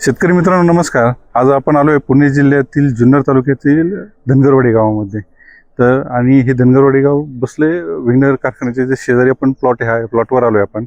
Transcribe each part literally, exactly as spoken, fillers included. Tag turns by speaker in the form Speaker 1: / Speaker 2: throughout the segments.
Speaker 1: शेतकरी मित्रांनो नमस्कार। आज आपण आलो आहे पुणे जिल्ह्यातील जुन्नर तालुक्यातील धनगरवाडी गावामध्ये। तर आणि हे धनगरवाडी गाव बसले विंगर कारखान्याचे जे शेजारी आपण प्लॉट आहे प्लॉटवर आलो आहे आपण।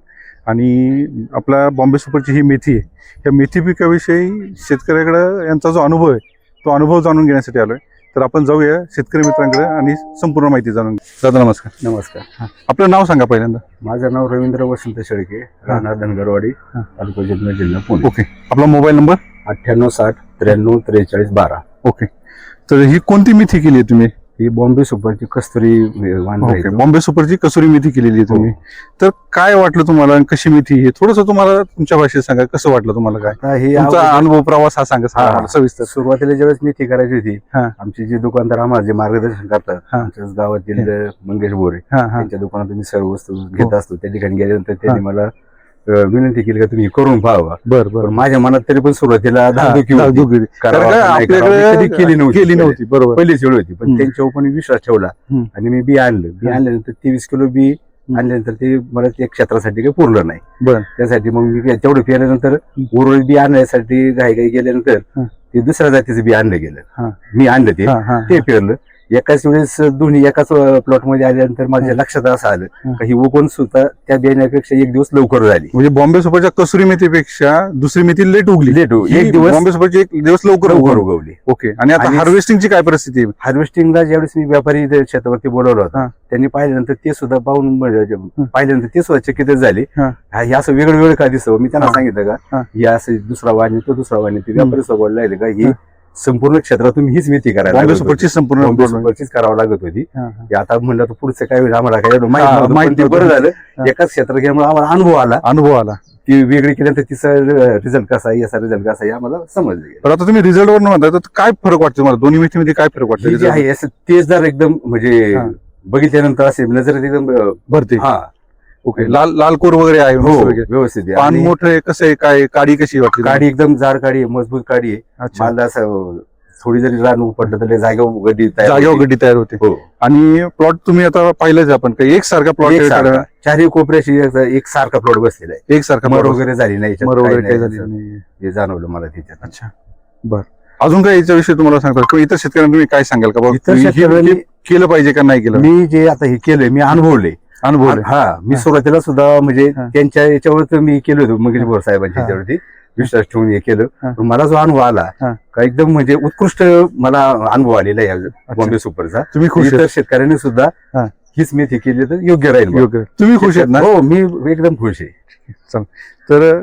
Speaker 1: आणि आपला बॉम्बे सुपरची ही मेथी आहे, या मेथी पिकाविषयी शेतकऱ्याकडे यांचा जो अनुभव आहे तो अनुभव जाणून घेण्यासाठी आलो आहे। तर आपण जाऊया शेतकरी मित्रांकडे आणि संपूर्ण माहिती जाणून घेऊ। दादा नमस्कार।
Speaker 2: नमस्कार।
Speaker 1: आपलं नाव सांगा पहिल्यांदा।
Speaker 2: माझं नाव रवींद्र वसंत शेळके, राहणार धनगरवाडी, तालुका जुन्नर, जिल्हा पुणे।
Speaker 1: ओके, आपला मोबाईल नंबर
Speaker 2: अठ्ठ्याण्णव साठ त्र्याण्णव त्रेचाळीस बारा।
Speaker 1: ओके, तर ही कोणती मेथी केली आहे तुम्ही?
Speaker 2: ही बॉम्बे सुपरची कस्तुरी वाण आहे।
Speaker 1: ओके, बॉम्बे सुपरची कसुरी मेथी केलेली आहे तुम्ही। तर काय वाटलं तुम्हाला आणि कशी मेथी हे थोडंसं तुम्हाला तुमच्या भाषेत सांगा, कसं वाटलं तुम्हाला, काय
Speaker 2: ही
Speaker 1: तुमचा अनुभव प्रवास हा सांगा आम्हाला सविस्तर।
Speaker 2: सुरुवातीला ज्यावेळेस मेथी करायची होती,
Speaker 1: हा.
Speaker 2: आमचे जे दुकानदार आम्हाला जे मार्गदर्शन करतात, आमच्याच गावातील मंगेश बोरे, त्यांच्या दुकानात मी सर्व वस्तू घेत असतो। त्या ठिकाणी गेल्यानंतर त्यांनी मला विनंती केली का तुम्ही करून पाहावा।
Speaker 1: बरं बरं,
Speaker 2: माझ्या मनात तरी पण सुरुवातीला धाकधुकी होती,
Speaker 1: आपल्याकडे
Speaker 2: केली नव्हती
Speaker 1: केली नव्हती बरोबर,
Speaker 2: पहिलीच वेळ होती। पण त्यांच्यावर पण विश्वास ठेवला आणि मी बी आणलं। बी आणल्यानंतर तेवीस किलो बी आणल्यानंतर ते मला त्या क्षेत्रासाठी काही पुरलं नाही।
Speaker 1: बरं,
Speaker 2: त्यासाठी मग मी तेवढं पेरल्यानंतर उर्वरित बी आणण्यासाठी घाई घाई गेल्यानंतर ते दुसऱ्या जातीचं बी आणलं गेलं। मी आणलं ते ते पेरलं एकाच वेळेस दोन्ही एकाच प्लॉट मध्ये आल्यानंतर माझ्या लक्षात असं आलं की ही उगवण सुद्धा त्या बियाण्यापेक्षा एक दिवस लवकर झाली।
Speaker 1: म्हणजे बॉम्बे सुपरच्या कसुरी मेथीपेक्षा दुसरी मेथी लेट उगली।
Speaker 2: लेट एक दिवस
Speaker 1: बॉम्बे सुपरची एक दिवस लवकर
Speaker 2: लवकर उगवली।
Speaker 1: ओके, आणि आता हार्वेस्टिंगची काय परिस्थिती आहे?
Speaker 2: हार्वेस्टिंगला ज्यावेळेस मी व्यापारी शेतावरती बोलवला होता, त्यांनी पाहिल्यानंतर ते सुद्धा पाहून पाहिल्यानंतर ते सुद्धा चकित झाले। हे असं वेगळं वेगळं का दिसतं? मी त्यांना सांगितलं का हे असं दुसरा वाणी तो दुसरा वाणी, ते व्यापारी सोबत लागले का ही संपूर्ण क्षेत्रात तुम्ही हीच मेथी करायला
Speaker 1: सुपरची संपूर्ण
Speaker 2: सुपरचीच करावं लागत होती। आता म्हणलं तर पुढचं काय होईल आम्हाला काय माहिती, बरं झालं एकाच क्षेत्रात गेल्यामुळे आम्हाला अनुभव आला अनुभव आला ती वेगळी केल्यानंतर तिचा रिझल्ट कसा आहे, याचा रिझल्ट कसा आहे आम्हाला समजलं।
Speaker 1: तर आता तुम्ही रिझल्ट वर म्हणताय तर काय फरक वाटतो तुम्हाला दोन्ही मेथीमध्ये? काय फरक वाटतो?
Speaker 2: जे आहे असं तेजदार एकदम, म्हणजे बघितल्यानंतर असे नजर एकदम भरते। हा
Speaker 1: ओके, लाल लाल कोर वगैरे आहे
Speaker 2: व्यवस्थित,
Speaker 1: पान मोठं आहे, कसं आहे, काय काडी कशी वाटते?
Speaker 2: काडी एकदम जाड काडी आहे, मजबूत काडी आहे। मला असं थोडी जरी रान उपटलं तर जागेवर गड्डी
Speaker 1: जागेवर गड्डी तयार होते। आणि प्लॉट तुम्ही आता पाहिलंच आपण काही एक सारखा प्लॉट
Speaker 2: चारही कोपऱ्याशी एक सारखा प्लॉट बसलेला आहे, एक सारखा मर वगैरे झाली नाही,
Speaker 1: मर वगैरे काही झाली नाही
Speaker 2: हे जाणवलं मला त्याच्यात।
Speaker 1: अच्छा, बर, अजून काय याच्याविषयी तुम्हाला सांगतात किंवा इतर शेतकऱ्यांना तुम्ही काय सांगाल का
Speaker 2: इतर शेतकऱ्यांनी
Speaker 1: केलं पाहिजे का नाही केलं?
Speaker 2: मी जे आता हे केलंय मी अनुभवले अनुभवले हा मी सुरुवातीला सुद्धा म्हणजे त्यांच्या याच्यावर मी केलं होतं मंगेश बोर साहेबांच्या याच्यावरती विश्वास ठेवून हे केलं। मला जो अनुभव आला का एकदम म्हणजे उत्कृष्ट मला अनुभव आलेला आहे बॉम्बे सुपरचा। तुम्ही खुश? तर शेतकऱ्यांनी सुद्धा हीच मेथी केली तर योग्य राहील।
Speaker 1: योग्य, तुम्ही खुश आहेत ना?
Speaker 2: हो, मी एकदम खुश आहे।
Speaker 1: चल, तर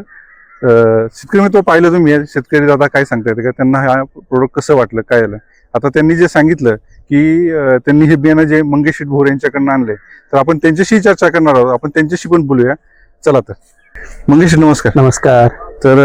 Speaker 1: शेतकरी मित्र पाहिलं तुम्ही, शेतकरी दादा काय सांगता येते का त्यांना हा प्रोडक्ट कसं वाटलं, काय आलं? आता त्यांनी जे सांगितलं की त्यांनी हे बियाणं जे मंगेश भोर यांच्याकडनं आणले, तर आपण त्यांच्याशी चर्चा करणार आहोत, आपण त्यांच्याशी पण बोलूया। चला तर मंगेश, नमस्कार।
Speaker 3: नमस्कार।
Speaker 1: तर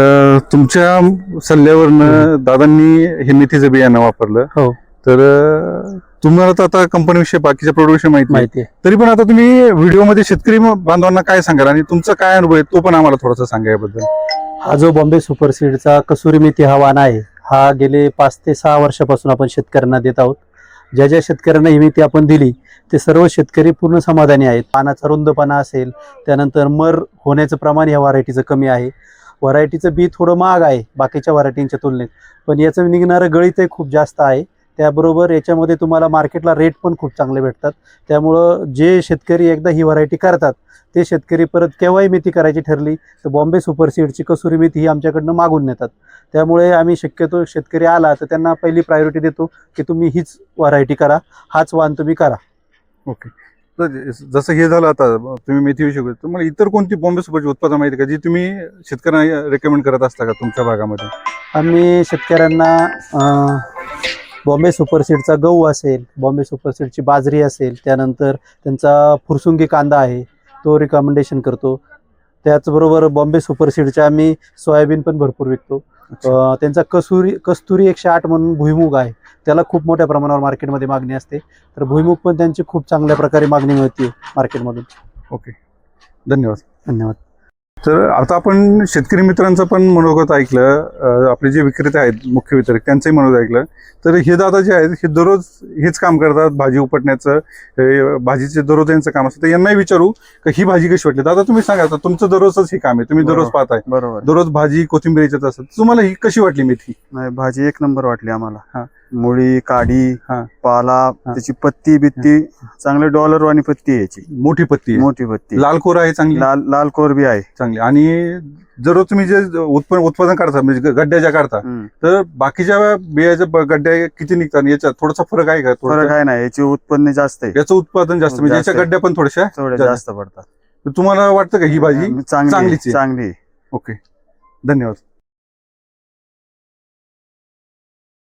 Speaker 1: तुमच्या सल्ल्यावरनं दादांनी हे मेथीचं बियाणं वापरलं।
Speaker 3: हो,
Speaker 1: तर तुम्हाला तर आता कंपनी विषयी बाकीच्या प्रोडक्ट विषयी माहिती
Speaker 3: माहिती आहे,
Speaker 1: तरी पण आता तुम्ही व्हिडिओमध्ये शेतकरी बांधवांना काय सांगाल आणि तुमचा काय अनुभव आहे तो पण आम्हाला थोडासा सांगा याबद्दल।
Speaker 3: हा जो बॉम्बे सुपर सीडचा कसुरी मेथी हा वाण आहे, हा गेले पाच ते सहा वर्षापासून आपण शेतकऱ्यांना देत आहोत। ज्या ज्या शेतकऱ्यांना ही मेथी आपण दिली ते सर्व शेतकरी पूर्ण समाधानी आहेत। पानाचा रुंदपणा असेल, त्यानंतर मर होण्याचं प्रमाण या व्हरायटीचं कमी आहे। व्हरायटीचं बी थोडं महाग आहे बाकीच्या व्हरायटींच्या तुलनेत, पण याचं निघणारं गळीतही खूप जास्त आहे। त्याबरोबर याच्यामध्ये तुम्हाला मार्केटला रेट पण खूप चांगले भेटतात। त्यामुळं जे शेतकरी एकदा ही व्हरायटी करतात ते शेतकरी परत केव्हाही मेथी करायची ठरली तर बॉम्बे सुपर सीडची कसुरी मेथी ही आमच्याकडनं मागून नेतात। त्यामुळे आम्ही शक्यतो शेतकरी आला तर त्यांना पहिली प्रायोरिटी देतो की तुम्ही हीच व्हरायटी करा, हाच वाण तुम्ही करा।
Speaker 1: ओके, तर जसं हे झालं आता तुम्ही मेथीविषयी बोलतो, तुम्हाला इतर कोणती बॉम्बे सुपरची उत्पादन माहिती का जी तुम्ही शेतकऱ्यांना रेकमेंड करत असता का तुमच्या भागामध्ये?
Speaker 3: आम्ही शेतकऱ्यांना बॉम्बे सुपर सीडचा गहू असेल, बॉम्बे सुपर सीडची बाजरी असेल, त्यानंतर त्यांचा फुरसुंगी कांदा आहे तो रिकमेंडेशन करतो। त्याचबरोबर बॉम्बे सुपर सीडच्या आम्ही सोयाबीन पण भरपूर विकतो। त्यांचा कसुरी कस्तुरी एकशे आठ म्हणून भुईमुग आहे, त्याला खूप मोठ्या प्रमाणावर मार्केटमध्ये मागणी असते, तर भुईमुग पण त्यांची खूप चांगल्या प्रकारे मागणी मिळते मार्केटमधून।
Speaker 1: ओके, धन्यवाद।
Speaker 3: धन्यवाद।
Speaker 1: तर आता आपण शेतकरी मित्रांचं पण मनोगत ऐकलं, अं, आपले जे विक्रेते आहेत मुख्य वितरक त्यांचंही मनोगत ऐकलं. तर हे दादा जे आहेत हे दररोज हेच काम करतात, भाजी उपटण्याचं, हे भाजीचे दररोज यांचं काम असतं. तर यांनाही विचारू का ही भाजी कशी वाटली. दादा तुम्ही सांगा, आता तुमचं दररोजच हे काम आहे, तुम्ही दररोज
Speaker 4: बरोबर.
Speaker 1: पाहताय,
Speaker 4: बरोबर.
Speaker 1: दररोज भाजी कोथिंबीर याच्यात असतात. तुम्हाला ही कशी वाटली मेथी?
Speaker 4: नाही, भाजी एक नंबर वाटली
Speaker 1: हा.
Speaker 4: आम्हाला. मुळी, काडी,
Speaker 1: हा.
Speaker 4: पाला, त्याची पत्ती बित्ती चांगले डॉलर वाणी पत्ती आहे याची,
Speaker 1: मोठी पत्ती आहे,
Speaker 4: मोठी पत्ती,
Speaker 1: लाल कोर आहे चांगली,
Speaker 4: लाल लाल कोर बी आहे
Speaker 1: चांगली. आणि दररोज तुम्ही जे उत्पन्न उत्पादन काढता म्हणजे गड्ड्या ज्या काढता,
Speaker 4: हम्म.
Speaker 1: तर बाकीच्या बियाच्या ब- गड्ड्या किती निघतात याच्यात थोडासा फरक आहे का? थोडं
Speaker 4: फरक आहे ना, याची उत्पन्न जास्त आहे,
Speaker 1: याचं उत्पादन जास्त म्हणजे
Speaker 4: जास्त
Speaker 1: याच्या
Speaker 4: आहे.
Speaker 1: गड्ड्या पण थोड्याशा
Speaker 4: थोडे
Speaker 1: जास्त.
Speaker 4: जास्त पडतात.
Speaker 1: तर तुम्हाला वाटतं का ही भाजी
Speaker 4: चांगली
Speaker 1: चांगलीच आहे?
Speaker 4: चांगली आहे.
Speaker 1: ओके, धन्यवाद.